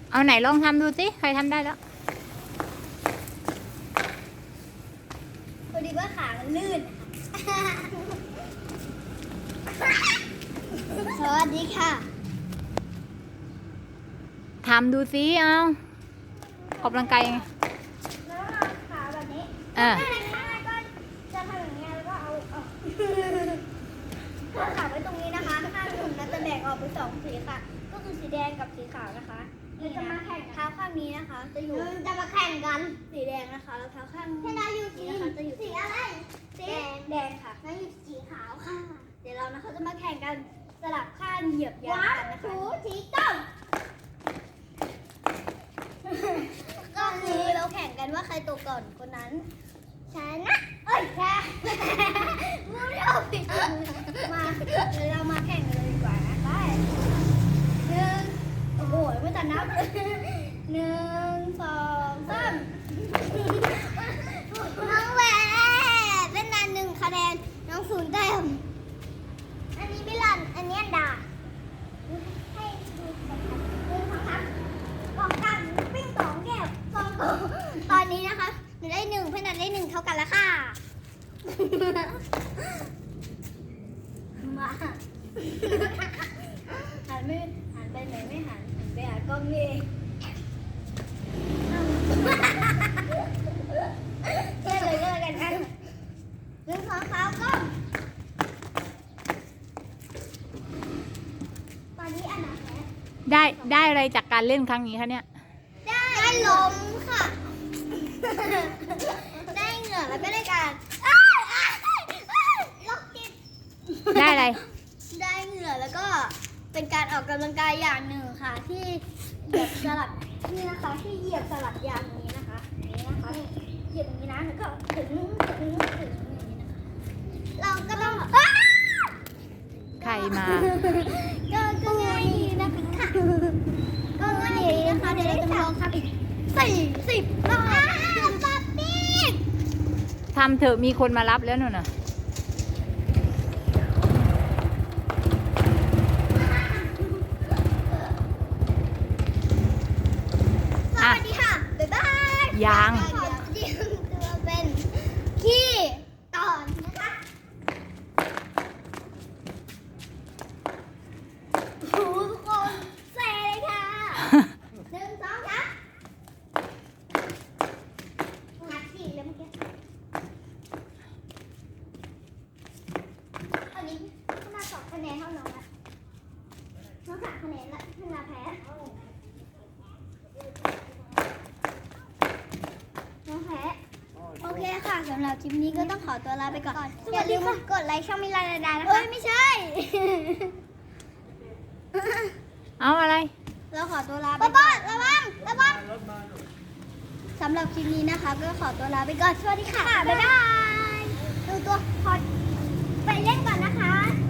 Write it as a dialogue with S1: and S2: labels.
S1: เอาไหนลองทำดูสิใครทำได้แล้ว
S2: พอดีว่าขามันลื่น สวัสดีค่ะ
S1: ทำดูสิเอาออกกำลังกายยังไง
S2: แล้วเราขาแบบนี้
S1: อ่า
S2: ก็จะทำอย่างเงี้ยแล้วก็เอาขาไว้ตรงนี้นะคะข้างหนึ่งนะจะแบ่งออกเป็น2สีค่ะ ก็คือสีแดงกับสีขาวนะคะเราจะมาแข่งเท้าข้างนี้นะคะ จะอยู่จะมาแข่งกันสีแดงนะคะแล้วเท้าข้างนี้นะคะจะอยู่สีอะไรสีแดงค่ะแล้วอยู่สีขาวค่ะ เดี๋ยวเรานะคะจะมาแข่งกันสลับข้างเหยียบยางกันนะคะสีต้มก็คือเราแข่งกันว่าใครตกก่อนคนนั้นชนะเอ้ยแพ้พูดไม่ออกผิดมาเดี๋ยวเรามาแข่งกันเลยดีกว่านะไป1โอ้โหไม่ทันนับ1 2 3น้องแหวนเล่นนาน1คะแนนน้อง0แต้มอันนี้ไม่ลันอันนี้ด่าให้ดูกันครับบอกกันปิ้ง2แก้ว2ตัวตอนนี้นะคะหนูได้1เพื่อนนันได้1เท่ากันแล้วค่ะมาหันไปไหนไม่หันไปหากล้องนี่เองเล่นเลยก็แล้วกันนะ1 2 3กล้องตอนนี้อันไหนแพ้
S1: ได้อะไรจากการเล่นครั้งนี้คะเนี่ย
S2: ได้ลมค่ะ ได้เหงื่อแล้วก็ได้การล็อกจิต
S1: ได้อะไร
S2: ได้เหงื่อแล้วก็เป็นการออกกำลังกายอย่างหนึ่งค่ะ ที่เหยียบสลับนี่นะคะที่เหยียบสลับยางนี้นะคะนี่นะคะเหยียบอย่างนี้นะแล้วก็ถึงอย่างนี้นะคะเราก็ต้อง
S1: ใครมา
S2: ก็ง่ายดีนะคะก็ง่ายดีนะคะเดี๋ยวเราจะมาลองทำอีก40รอบป๊อปปี้
S1: ทำเถอะมีคนมารับแล้วหนูน่ะ
S2: สวัสดีค่ะ บ๊ายบาย
S1: ยาง
S2: ขอเตรียมตัวเป็นขี้ตอนนะคะโอ้โหทุกคนเซเลยค่ะ 1 2 3งัดสี่แล้วเมื่อกี้ตอนนี้ขึ้นมา2คะแนนเท่าน้องละน้อง3คะแนนละขึ้นมาแพ้น้องแพ้โอเคค่ะสำหรับคลิปนี้ก็ต้องขอตัวลาไปก่อนอย่าลืมกดไลค์ช่องมิลาดานะคะเอ้ยไม่ใช่
S1: เอาอะไร
S2: เราขอตัวลาไปก่อนระวังสำหรับคลิปนี้นะคะก็ขอตัวลาไปก่อนสวัสดีค่ะ บ๊ายบายดูตัวพอไปเล่นก่อนนะคะ